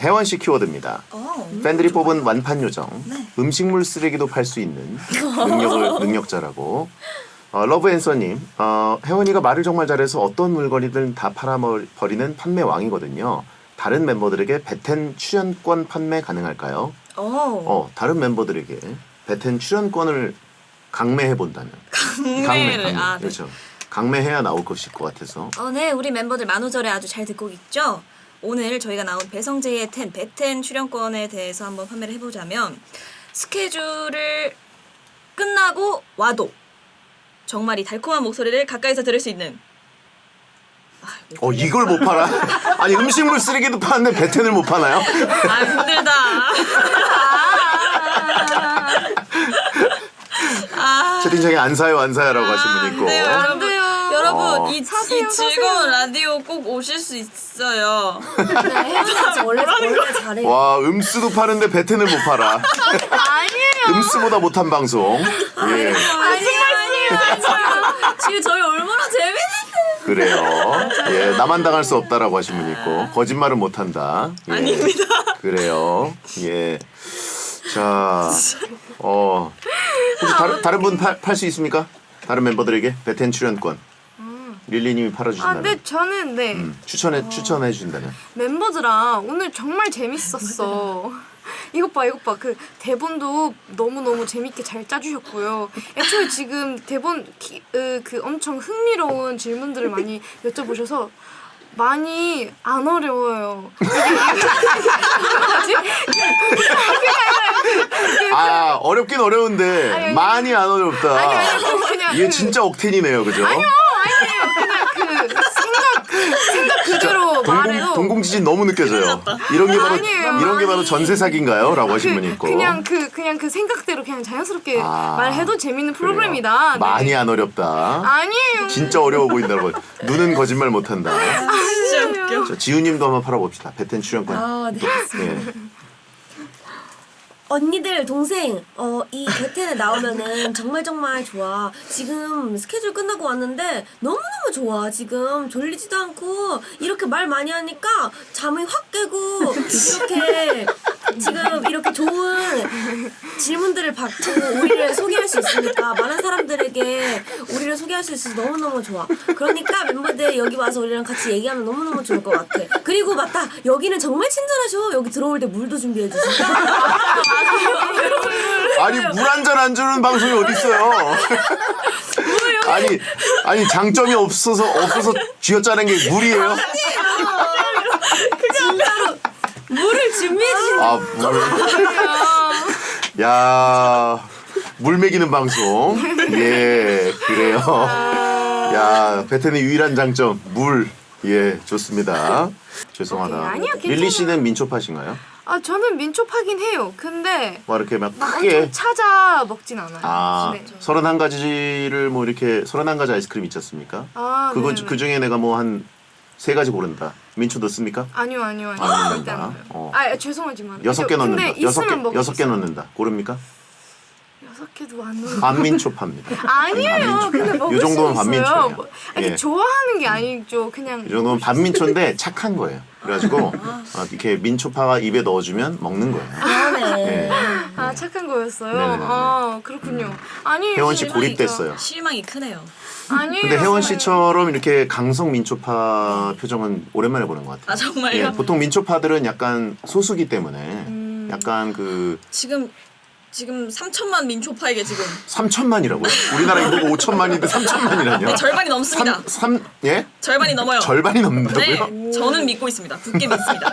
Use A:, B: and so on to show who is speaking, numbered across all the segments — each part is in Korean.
A: 혜원 씨 키워드입니다. 팬들이 뽑은 완판 요정.
B: 네.
A: 음식물 쓰레기도 팔 수 있는 능력자라고. 러브앤서님, 혜원이가 말을 정말 잘해서 어떤 물건이든 다 팔아버리는 판매 왕이거든요. 다른 멤버들에게 베텐 출연권 판매 가능할까요? 다른 멤버들에게 베텐 출연권을 강매해 본다면.
B: 강매를 네.
A: 그렇죠. 강매해야 나올 것일 것 같아서.
B: 네, 우리 멤버들 만우절에 아주 잘 듣고 있죠? 오늘 저희가 나온 배성재의 베텐 출연권에 대해서 한번 판매를 해보자면 스케줄을 끝나고 와도 정말 이 달콤한 목소리를 가까이서 들을 수 있는
A: 이걸 못 팔아? 아니 음식물 쓰레기도 파는데 베텐을 못 파나요?
B: 힘들다.
A: 채팅창에 안 사요 라고 하신 분 있고.
B: 네, 여러분 이
C: 사세요.
B: 즐거운 라디오 꼭 오실 수 있어요.
C: 네, 혜원이 진짜 원래 잘해요.
A: 와 음수도 파는데 베텐을 못 팔아.
C: 아니에요.
A: 음수보다 못한 방송. 예.
B: 지금 저희 얼마나 재밌는데.
A: 그래요. 예, 나만 당할 수 없다라고 하신 분 있고 거짓말은 못한다. 예.
B: 아닙니다.
A: 그래요. 예. 자, 혹시 다른 분 팔 수 있습니까? 다른 멤버들에게 베텐 출연권. 릴리님이 팔아주신다면.
C: 네, 저는 네.
A: 추천해 주신다면.
C: 멤버들아 오늘 정말 재밌었어. 이것 봐. 그 대본도 너무 재밌게 잘 짜주셨고요. 애초에 지금 대본 그 엄청 흥미로운 질문들을 많이 여쭤보셔서 많이 안 어려워요.
A: 어렵긴 어려운데 많이 안 어렵다.
C: 그냥
A: 이게 진짜 억텐이네요, 그죠?
C: 아니에요. 그냥 생각 그대로 말해도
A: 동공지진 너무 느껴져요. 이런 게 바로 전세 사기인가요?라고 하신 분이 있고.
C: 그냥 그 생각대로 그냥 자연스럽게 말해도 재밌는 프로그램이다. 네.
A: 많이 안 어렵다.
C: 아니에요.
A: 진짜 어려워 보인다고. 눈은 거짓말 못한다.
B: 진짜 웃겨.
A: 자, 지우님도 한번 팔아봅시다. 베텐 출연권.
D: 네.
A: 예.
D: 언니들 동생 이 베텐에 나오면은 정말 좋아. 지금 스케줄 끝나고 왔는데 너무너무 좋아. 지금 졸리지도 않고 이렇게 말 많이 하니까 잠이 확 깨고 이렇게 지금 이렇게 좋은 질문들을 받고 우리를 소개할 수 있으니까 많은 사람들에게 우리를 소개할 수 있어서 너무너무 좋아. 그러니까 멤버들 여기 와서 우리랑 같이 얘기하면 너무너무 좋을 것 같아. 그리고 맞다, 여기는 정말 친절하셔. 여기 들어올 때 물도 준비해 주시고.
A: 아니 물 한 잔 안 주는 방송이 어디 있어요? 아니 장점이 없어서 쥐어짜는 게 물이에요?
D: 진짜로 물을 준비해 주신
A: 물. 야, 물 먹이는 방송. 예, 그래요. 야, 베텐의 유일한 장점 물. 예, 좋습니다. 죄송하다.
C: 아니요, 괜찮아요.
A: 릴리 씨는 민초파신가요?
C: 저는 민초파긴 해요. 근데
A: 뭐 이렇게 막
C: 엄청
A: 크게
C: 찾아 먹진 않아요. 네.
A: 31가지를 뭐 이렇게 31가지 아이스크림 있지 않습니까?
C: 네네.
A: 그 중에 내가 뭐 한 3가지 고른다. 민초 넣습니까?
C: 아니요.
A: 안
C: 절대
A: 넣는다.
C: 안 넣어요.
A: 어.
C: 죄송하지만
A: 6개 넣는다.
C: 근데 있으면 먹을
A: 6개 넣는다. 고릅니까?
C: 6개도 안 넣어요.
A: 반민초파입니다.
C: 아니에요. 근데 먹을
A: 요 정도면
C: 수 있어요.
A: 반민초예요.
C: 이렇게
A: 예.
C: 좋아하는 게 아니죠. 그냥
A: 이 정도면 반민초인데 착한 거예요. 그래가지고 이렇게 민초파가 입에 넣어주면 먹는 거예요.
D: 그러네.
A: 예.
C: 착한 거였어요.
A: 네네네.
C: 그렇군요. 아니에요.
A: 혜원 씨
C: 실망이죠.
A: 고립됐어요.
B: 실망이 크네요.
C: 아니에요.
A: 근데 혜원 씨처럼 이렇게 강성 민초파 표정은 오랜만에 보는 것 같아요.
B: 정말요?
A: 예, 보통 민초파들은 약간 소수기 때문에 약간 그
B: 지금 3천만 민초파에게 지금
A: 3천만이라고요? 우리나라 인구가 5천만인데 3천만이라뇨?
B: 절반이 넘습니다.
A: 예?
B: 절반이 넘어요.
A: 절반이 넘는다고요?
B: 네, 저는 믿고 있습니다. 굳게 믿습니다.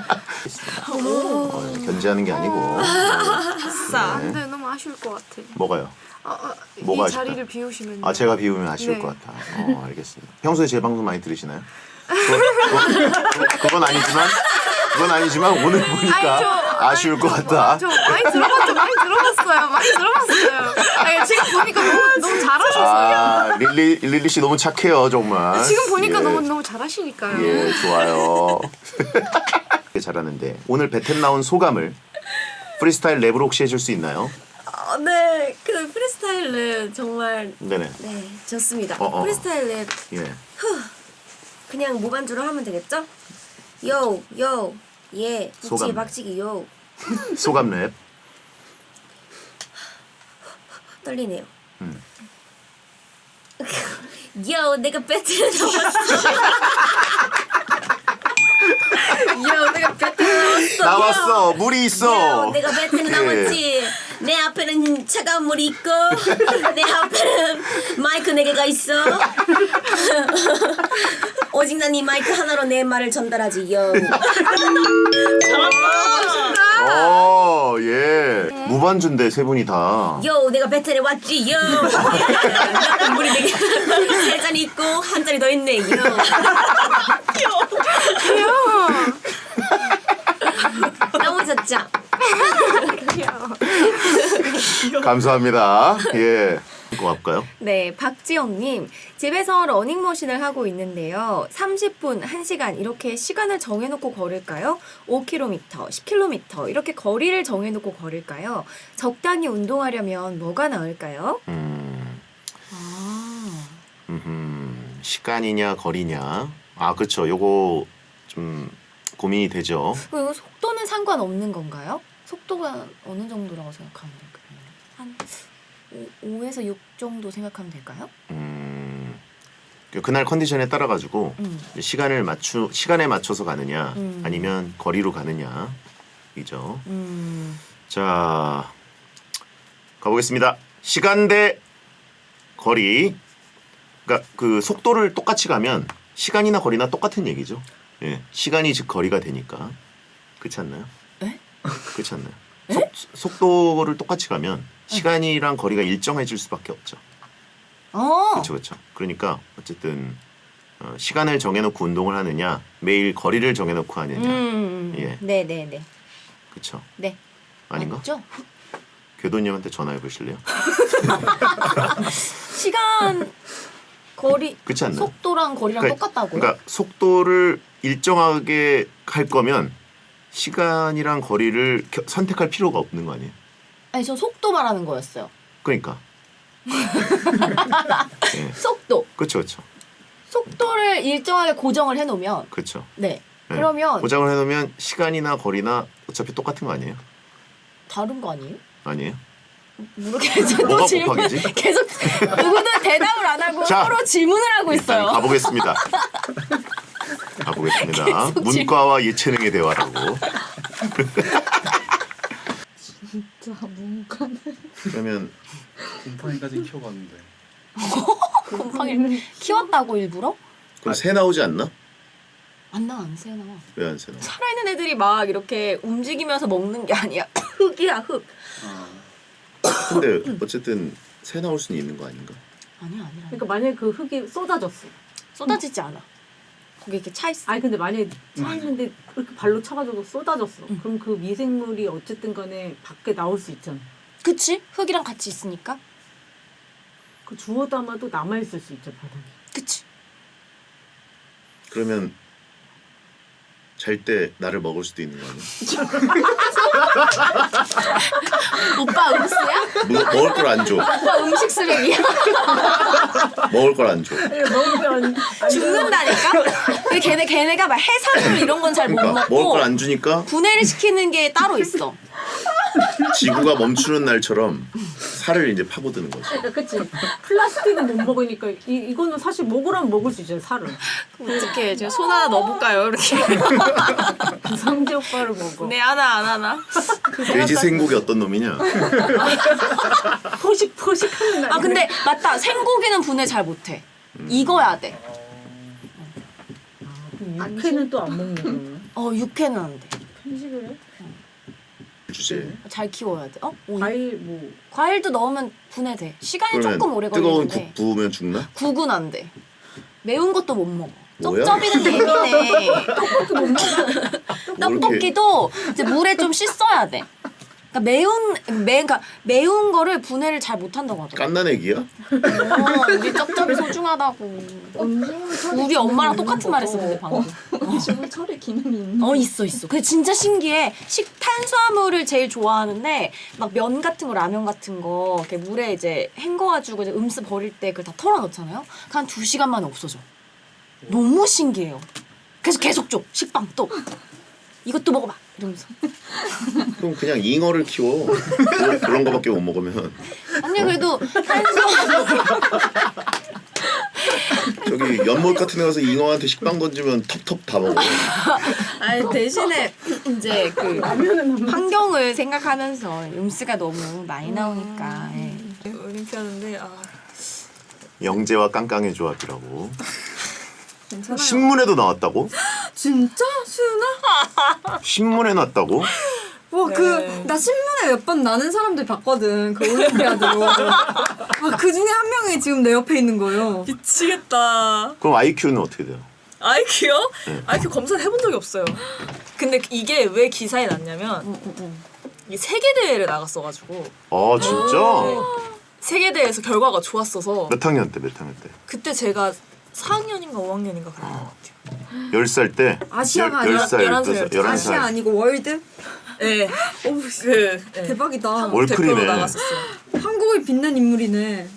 A: 견제하는 게 아니고.
B: 아싸.
C: 근데 너무 아쉬울 것 같아.
A: 뭐가요?
C: 이
A: 뭐가 아쉽다?
C: 자리를 비우시면.
A: 제가 비우면 아쉬울
C: 네.
A: 것 같아. 알겠습니다. 평소에 제 방송 많이 들으시나요? 그건 아니지만 오늘 보니까 아쉬울 것 같다.
C: 저 많이 들어봤어요. 지금 보니까 너무 잘하셨어요.
A: 릴리 씨 너무 착해요, 정말.
C: 지금 보니까
A: 예.
C: 너무 잘하시니까요.
A: 예, 좋아요. 잘하는데 오늘 베텐 나온 소감을 프리스타일 랩으로 혹시 해줄 수 있나요?
D: 네, 그 프리스타일 랩 정말
A: 네네.
D: 네 좋습니다.
A: 어.
D: 프리스타일 랩
A: 예.
D: 그냥 무반주로 하면 되겠죠? 요 예,
A: 소감.
D: 박치기 박치기요.
A: 소감 랩.
D: 떨리네요.
A: 음.
D: 요, 내가 배틀에 나왔어. 요, 내가 배틀에 나왔어.
A: 나왔어. 물이 있어.
D: 요, 내가 배틀에
A: 오케이.
D: 나왔지. 내 앞에는 차가운 물이 있고 내 앞에는 마이크 4개가 있어. 오직 난 이 마이크 하나로 내 말을 전달하지. 요.
A: 예. 무반주인데 세 분이 다.
D: 요, 내가 배틀에 왔지. 요. 물이 4개, 3잔이 있고 한 잔이 더 있네. 요. 너무 좋죠.
A: 감사합니다. 예. 이거 할까요?
E: 네, 박지영님. 집에서 러닝머신을 하고 있는데요. 30분, 1시간 이렇게 시간을 정해놓고 걸을까요? 5km, 10km 이렇게 거리를 정해놓고 걸을까요? 적당히 운동하려면 뭐가 나을까요?
A: 시간이냐 거리냐. 아 그렇죠. 요거 좀 고민이 되죠.
E: 그리고 속도는 상관없는 건가요? 속도가 어느 정도라고 생각하면 될까요? 한 5에서 6 정도 생각하면 될까요?
A: 그날 컨디션에 따라 가지고 시간에 맞춰서 가느냐
E: 음.
A: 아니면 거리로 가느냐 이죠.
E: 음,
A: 자 가보겠습니다. 시간 대 거리. 그러니까 그 속도를 똑같이 가면 시간이나 거리나 똑같은 얘기죠. 예, 시간이 즉 거리가 되니까 그렇지 않나요?
E: 에?
A: 그렇지 않나요? 속도를 똑같이 가면 시간이랑 거리가 일정해질 수밖에 없죠. 그렇죠, 그렇죠. 그러니까 어쨌든 시간을 정해놓고 운동을 하느냐, 매일 거리를 정해놓고 하느냐, 예,
E: 네네네.
A: 그렇죠.
E: 네.
A: 아닌가?
E: 맞죠?
A: 교도님한테 전화해 보실래요?
E: 시간, 거리,
A: 그렇지 않나요?
E: 속도랑 거리랑 똑같다고요?
A: 그러니까 속도를 일정하게 할 거면 시간이랑 거리를 선택할 필요가 없는 거 아니에요?
E: 아니, 전 속도 말하는 거였어요.
A: 그러니까. 예.
E: 속도.
A: 그렇죠, 그렇죠,
E: 속도를 일정하게 고정을 해놓으면
A: 그렇죠.
E: 네.
A: 예.
E: 그러면
A: 고정을 해놓으면 시간이나 거리나 어차피 똑같은 거 아니에요?
E: 다른 거 아니에요?
A: 아니에요?
E: 모르겠어요. 또
A: 뭐가
E: 질문
A: 곱하기지?
E: 계속 누구도 대답을 안 하고
A: 자,
E: 서로 질문을 하고
A: 일단
E: 있어요.
A: 가보겠습니다. 가보겠습니다. 문과와 예체능의 대화라고.
F: 진짜 문과는
A: 그러면
G: 곰팡이까지 키워봤는데
E: 곰팡이를 키웠다고 일부러?
A: 그럼 새 나오지 않나?
E: 안 새나.
A: 왜 안 새 나와?
E: 살아있는 애들이 막 이렇게 움직이면서 먹는 게 아니야. 흙이야 흙.
A: 근데 어쨌든 새 나올 수는 있는 거 아닌가?
E: 아니야.
F: 그러니까 만약에 그 흙이 쏟아졌어.
E: 쏟아지지 않아. 거기 이렇게 차 있어.
F: 아니 근데 만약에 차 있는데 이렇게 발로 차가지고 쏟아졌어. 그럼 그 미생물이 어쨌든 간에 밖에 나올 수 있잖아.
E: 그치? 흙이랑 같이 있으니까.
F: 그 주워 담아도 남아있을 수 있죠 바닥에.
E: 그치?
A: 그러면 잘 때 나를 먹을 수도 있는 거 아니야?
E: 오빠 음수야?
A: 먹을 걸 안 줘.
E: 오빠 음식 쓰레기야?
A: 먹을 걸 안 줘.
F: 먹으면
E: 죽는다니까? 근데 걔네가 막 해산물 이런 건 잘 못
A: 그러니까 먹을
E: 먹고
A: 걸 안 주니까
E: 분해를 시키는 게 따로 있어.
A: 지구가 멈추는 날처럼 살을 이제 파고드는 거지.
F: 그러니까 그치. 플라스틱은 못 먹으니까 이거는 사실 먹으라면 먹을 수 있잖아 살을.
E: 어떻게 제가 손 하나 넣어볼까요? 이렇게.
F: 성재 오빠를 먹어.
E: 네 하나 안 하나.
A: 돼지 생고기 어떤 놈이냐?
F: 포식하는 날.
E: 아 근데 맞다. 생고기는 분해 잘 못해. 익어야 돼.
F: 육회는 또 안 먹는
E: 육회는 안 돼.
F: 편식을 해?
A: 주제.
E: 잘 키워야 돼.
F: 과일 뭐
E: 과일도 넣으면 분해돼. 시간이
A: 그러면
E: 조금 오래
A: 뜨거운
E: 걸리는데
A: 국 부으면 죽나?
E: 국은 안 돼. 매운 것도 못 먹어.
A: 뭐야?
E: 쩝쩝이는 예민해.
A: 뭐 이렇게
E: 떡볶이도 이제 물에 좀 씻어야 돼. 그러니까 매운 거를 분해를 잘 못한다고 하더라고.
A: 깐난애기야?
E: 우리 쩝쩝이 소중하다고. 우리 엄마랑 똑같은 말 했었는데 방금.
F: 음식물 처리 기능이 있는.
E: 있어. 근데 진짜 신기해. 탄수화물을 제일 좋아하는데 막 면 같은 거, 라면 같은 거 이렇게 물에 이제 헹궈가지고 이제 음수 버릴 때 그걸 다 털어 넣잖아요. 한 2시간 만에 없어져. 너무 신기해요. 그래서 계속 줘. 식빵 또. 이것도 먹어봐 이러면서.
A: 그럼 그냥 잉어를 키워. 그런 거밖에 못 먹으면
E: 아니 그래도
A: 저기 연못 같은 데 가서 잉어한테 식빵 던지면 텁텁 다 먹어.
E: 아니 대신에 이제 그 환경을 생각하면서 음수가 너무 많이 나오니까. 예.
B: 올림피아드인데
A: 영재와 깡깡의 조합이라고.
B: 괜찮아요.
A: 신문에도 나왔다고?
H: 진짜? 수윤아?
A: 신문에 났다고?
H: 와,
B: 네.
H: 나 신문에 몇 번 나는 사람들 봤거든. 그 올림피아드로. 그 중에 한 명이 지금 내 옆에 있는 거예요.
B: 미치겠다.
A: 그럼 IQ는 어떻게 돼요?
B: IQ요?
A: 네.
B: IQ 검사를 해본 적이 없어요. 근데 이게 왜 기사에 났냐면 이 세계 대회를 나갔어가지고
A: 아 진짜?
B: 세계 대회에서 결과가 좋았어서
A: 몇 학년 때? 몇 학년 때?
B: 그때 제가 4학년인가 5학년인가 그런 것 같아요.
A: 10살 때?
H: 아시아가 아니라
A: 10살, 11살.
H: 아시아 아니고 월드?
B: 네.
H: 대박이다.
A: 월클이네.
B: 대표로 나갔었어요.
H: 한국을 빛낸 인물이네.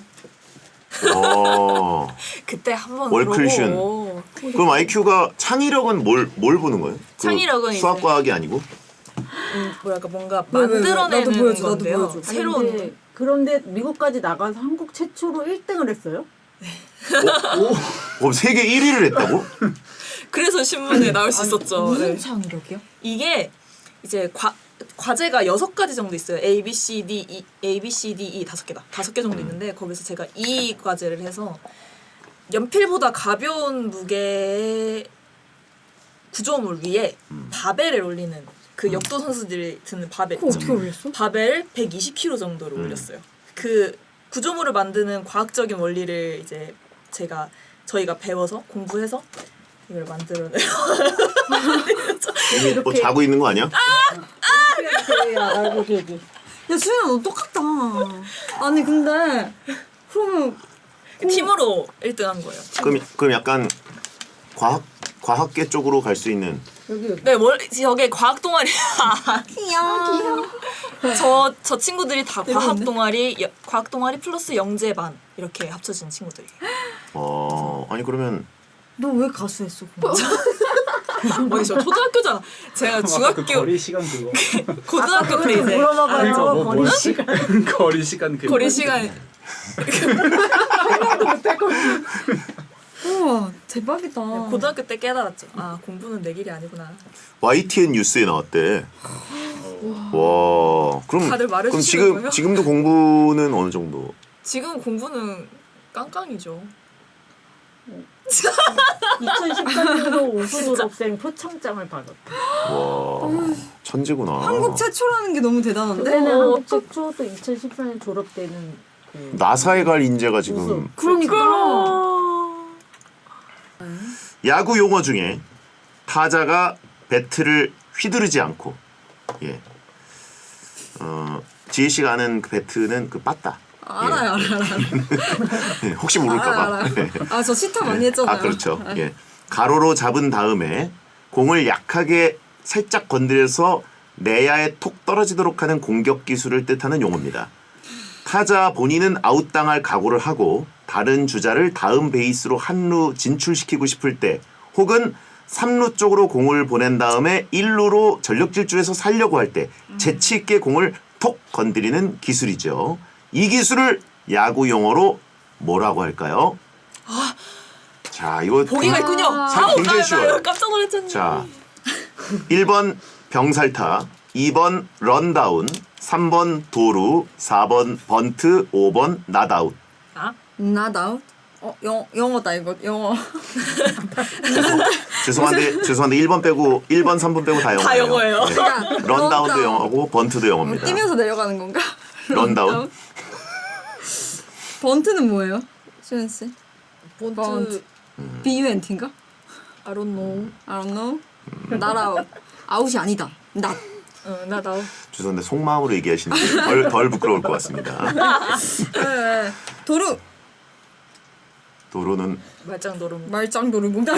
A: 어.
B: 그때 한번
A: 월클슌.
B: 그러고
A: 그럼 IQ가 창의력은 뭘 보는 거예요? 그
B: 창의력은
A: 수학
B: 이제-
A: 과학이 아니고?
B: 뭐랄까 뭔가
H: 왜, 나도
B: 만들어내는
H: 보여줘, 나도
B: 건데요.
H: 보여줘.
B: 새로운
F: 그런데 미국까지 나가서 한국 최초로 1등을 했어요?
A: 그럼 세계 1위를 했다고?
B: 그래서 신문에 나올 수 있었죠.
H: 무슨
B: 네.
H: 창의력이요?
B: 이게 이제 과제가 6가지 정도 있어요. A, B, C, D, E 5개다. 5개 정도 있는데 거기서 제가 E 과제를 해서 연필보다 가벼운 무게의 구조물 위에 바벨을 올리는 그 역도 선수들이 드는 바벨
H: 그거
B: 있죠.
H: 어떻게 올렸어?
B: 바벨 120kg 정도를 올렸어요. 그 구조물을 만드는 과학적인 원리를 이제 저희가 배워서 공부해서 이걸 만들어내요.
A: 뭐 자고 있는 거 아니야?
H: 야, 수윤아, 너 똑같다. 아니, 근데, 그러면,
B: 팀으로 1등한 거예요.
A: 그럼 약간 과학계 쪽으로 갈 수 있는.
B: 네, 저게 과학 동아리. 귀여워. 저 친구들이 다 과학 동아리 플러스 영재반 이렇게 합쳐진 친구들이에요.
A: 아니 그러면
H: 너 왜 가수했어? 그럼?
B: 뭐지 저 초등학교잖아. 제가
G: 그
B: 중학교
G: 거리 시간 그거.
B: 고등학교 때 이제
F: 물어봐봐요.
G: 뭐
F: 거리
G: 뭐였지? 거리 시간 그거.
B: 거리 시간
H: 우와, 대박이다.
B: 고등학교 때 깨달았죠. 아 공부는 내 길이 아니구나.
A: YTN 뉴스에 나왔대. 와, 그럼
B: 다들 말해주시는
A: 그럼 지금
B: 거예요?
A: 지금도 공부는 어느 정도?
B: 지금 공부는 깡깡이죠.
F: 2013년도 우수 졸업생 표창장을 받았다.
A: 와, 천재구나.
H: 한국 최초라는 게 너무 대단한데?
F: 그때는 한국 최초 또 2014년 졸업 때는 그
A: 나사에 갈 인재가 지금.
H: 그러니까.
A: 야구 용어 중에 타자가 배트를 휘두르지 않고, 예, 지혜 씨가 아는 그 배트는 그 빠따.
H: 알아요.
A: 예, 혹시 모를까봐.
H: 아, 저 시타 많이 했잖아요.
A: 아 그렇죠. 예, 가로로 잡은 다음에 공을 약하게 살짝 건드려서 내야에 톡 떨어지도록 하는 공격 기술을 뜻하는 용어입니다. 타자 본인은 아웃당할 각오를 하고 다른 주자를 다음 베이스로 한루 진출시키고 싶을 때 혹은 3루 쪽으로 공을 보낸 다음에 1루로 전력 질주해서 살려고 할 때 재치 있게 공을 톡 건드리는 기술이죠. 이 기술을 야구 용어로 뭐라고 할까요? 자, 이거
B: 보기가 있군요.
A: 사- 굉장히 쉬워요.
B: 깜짝 놀랐잖아요.
A: 자, 1번 병살타, 2번 런다운, 3번 도루, 4번 번트, 5번 낫아웃.
H: 나다웃? 영어다 이거 영어.
A: 죄송한데 1번 빼고 1번, 3번 빼고 다 영어예요.
B: 다 영어예요.
A: 네.
H: 그러니까
A: 런다운도
H: 런다운.
A: 영어고 번트도 영어입니다.
H: 뛰면서 내려가는 건가?
A: 런다운.
H: 번트는 뭐예요? 수현 씨?
B: 본트
H: BUNT인가?
B: I don't know.
H: I don't know. 나라 아웃이 아니다. 나.
B: 나
A: 죄송한데 속마음으로 얘기하시는 덜 부끄러울 것 같습니다.
H: 네. 도루.
A: 도루는
B: 말짱
H: 말짱 도루 뭔가.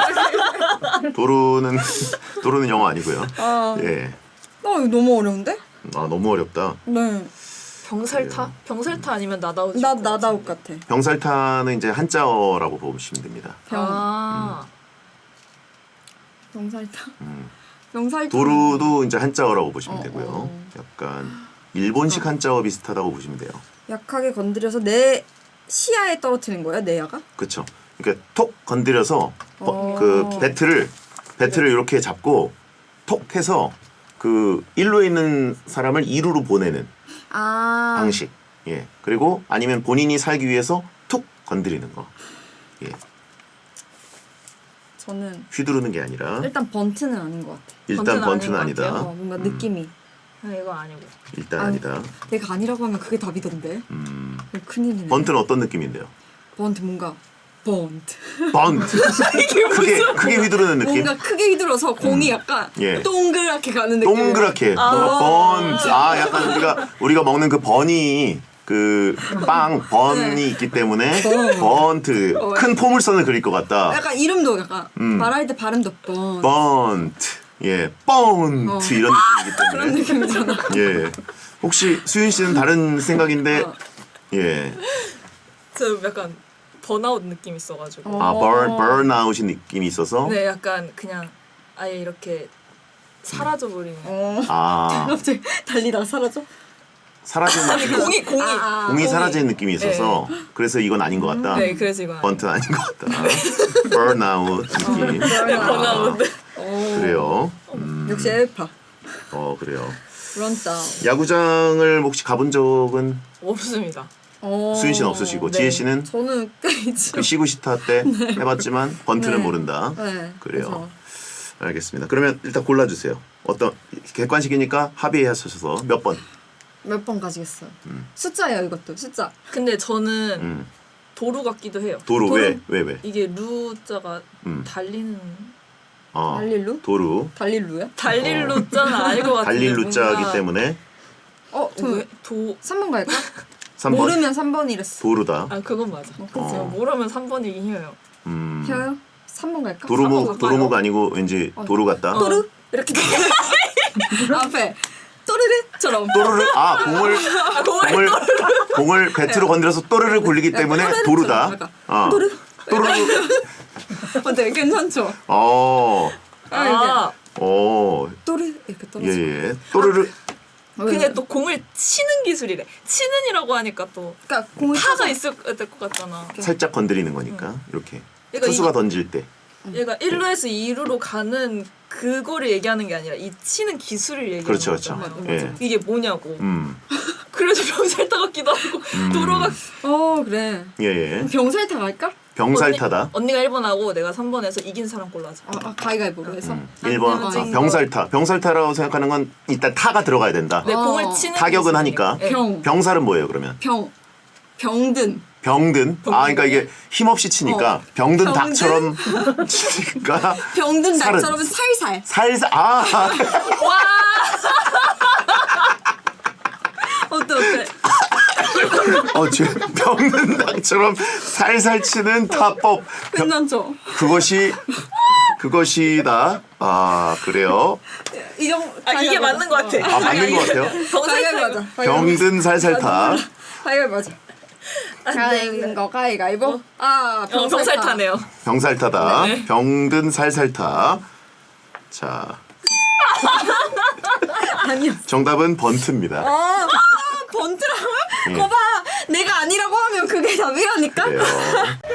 A: 도루는 영어 아니고요.
H: 아,
A: 예.
H: 이거 너무 어려운데?
A: 아 너무 어렵다.
H: 네.
B: 병살타? 병살타 아니면 나다웃.
H: 나다웃 같아.
A: 병살타는 이제 한자어라고 보시면 됩니다.
B: 아.
H: 병살타. 명살
A: 도루도 이제 한자어라고 보시면 되고요. 약간 일본식 한자어 비슷하다고 보시면 돼요.
H: 약하게 건드려서 내 시야에 떨어뜨리는 거야 내야가?
A: 그렇죠. 그러니까 톡 건드려서 그 배트를 이렇게 잡고 톡 해서 그 1루에 있는 사람을 2루로 보내는
H: 아
A: 방식. 예. 그리고 아니면 본인이 살기 위해서 툭 건드리는 거. 예.
H: 저는
A: 휘두르는 게 아니라
H: 일단 번트는 아닌 것 같아.
A: 일단
B: 번트는
A: 번트는
B: 아닌 것
A: 아니다.
H: 뭔가 느낌이
B: 이거 아니고.
A: 일단
H: 아,
A: 아니다.
H: 내가 아니라고 하면 그게 답이던데. 큰일이네.
A: 번트는 어떤 느낌인데요?
H: 번트 뭔가 번트.
A: 번트. 크게 휘두르는 느낌.
H: 뭔가 크게 휘둘러서 공이 약간
A: 예.
H: 동그랗게 가는 느낌.
A: 동그랗게. 뭔가 번트. 아, 약간 우리가 먹는 그 버니 그 빵 번이 있기 때문에 번트. 큰 포물선을 그릴 것 같다.
H: 약간 이름도 약간 말할 때 발음도 번트.
A: 번트. 예, 번트 이런 느낌이기 때문에.
H: 그런 느낌이잖아.
A: 예. 혹시 수윤 씨는 다른 생각인데 예.
B: 저 약간 번아웃 느낌 있어가지고.
A: 아, burnout이 느낌이 있어서
B: 네, 약간 그냥 아예 이렇게 사라져 버리는.
A: 아,
H: 갑자기 달리다가 사라져?
A: 사라지는 느낌. 공이 사라지는 느낌이 있어서 그래서 이건 아닌 것 같다.
B: 네, 그래서 이건
A: 번트는 아닌 것 같다. burnout 느낌.
B: 번아웃.
A: 그래요.
H: 역시 엘파.
A: 그래요.
H: 런다운.
A: 야구장을 혹시 가본 적은
B: 없습니다.
A: 수윤 씨는 없으시고
B: 네.
A: 지혜 씨는
H: 저는 꽤 있죠.
A: 그 시구시타 때 해봤지만 번트는
H: 네.
A: 모른다.
H: 네.
A: 그래요. 알겠습니다. 그러면 일단 골라주세요. 어떤 객관식이니까 합의하셔서 몇 번?
H: 몇 번 가지겠어요. 숫자예요 이것도 숫자.
B: 근데 저는
A: 음.
B: 도루 같기도 해요.
A: 도루 왜?
B: 이게 루자가
A: 음.
B: 달리는
H: 달릴루?
A: 도루
H: 달릴루야?
B: 달릴 루자는 아닐 것 같은데.
A: 달릴 루자이기
B: 뭔가
A: 때문에
B: 도
H: 3번 갈까?
A: 3번
H: 모르면 3번이랬어.
A: 도루다.
B: 아 그건 맞아.
H: 그치.
B: 모르면 3번이긴 해요.
H: 혀요? 3번 갈까?
A: 도루묵가 아니고 왠지 도루 같다.
H: 또르?
B: 이렇게
H: 앞에 또르르처럼.
A: 또르르 공을 배트로 건드려서 또르르 굴리기 때문에
H: 또르르
A: 도루다.
H: 약간.
A: 또르르.
H: 어때? 괜찮죠?
B: 아
H: 또르 이렇게 떨어져.
A: 예. 또르르.
B: 그게 또 공을 치는 기술이래. 치는이라고 하니까 또
H: 그러니까 공을
B: 타가 있을 것 같잖아.
A: 살짝 건드리는 거니까 이렇게
B: 그러니까
A: 투수가 던질 때.
B: 얘가 1루에서 2루로 가는 그거를 얘기하는 게 아니라 이 치는 기술을 얘기하는
A: 그렇죠,
B: 거잖아.
A: 그렇죠. 예.
B: 이게 뭐냐고. 그래서 병살타 같기도 하고 도로가
H: 그래.
A: 예.
H: 병살타 갈까?
A: 병살타다.
B: 언니가 1번하고 내가 3번에서 이긴 사람 골라줘.
H: 가위가위보로 해서.
A: 1번 병살타. 병살타라고 생각하는 건 일단 타가 들어가야 된다.
B: 내 공을 치는
A: 타격은
B: 기술이래.
A: 하니까.
B: 네.
A: 병살은 뭐예요, 그러면?
H: 병든.
A: 병든. 그러니까 이게 힘없이 치니까 병든
H: 병든?
A: 닭처럼 치니까
H: 병든
A: 살은.
H: 닭처럼 살살.
A: 살살
H: 어때?
A: 병든 닭처럼 살살 치는 타법.
H: 괜찮죠?
A: 그것이다. 그래요.
B: 이게 맞는 것 같아.
A: 맞는 것 같아요.
H: 가위가위 맞아.
A: 병든 살살타.
H: 가위가위 맞아. 가위가위보.
B: 병살타네요.
A: 병살타다.
B: 네.
A: 병든 살살타. 자.
H: 아니요.
A: 정답은 번트입니다.
H: 번트라고요?
A: 예.
H: 거봐, 내가 아니라고 하면 그게 답이라니까.
A: 그래요.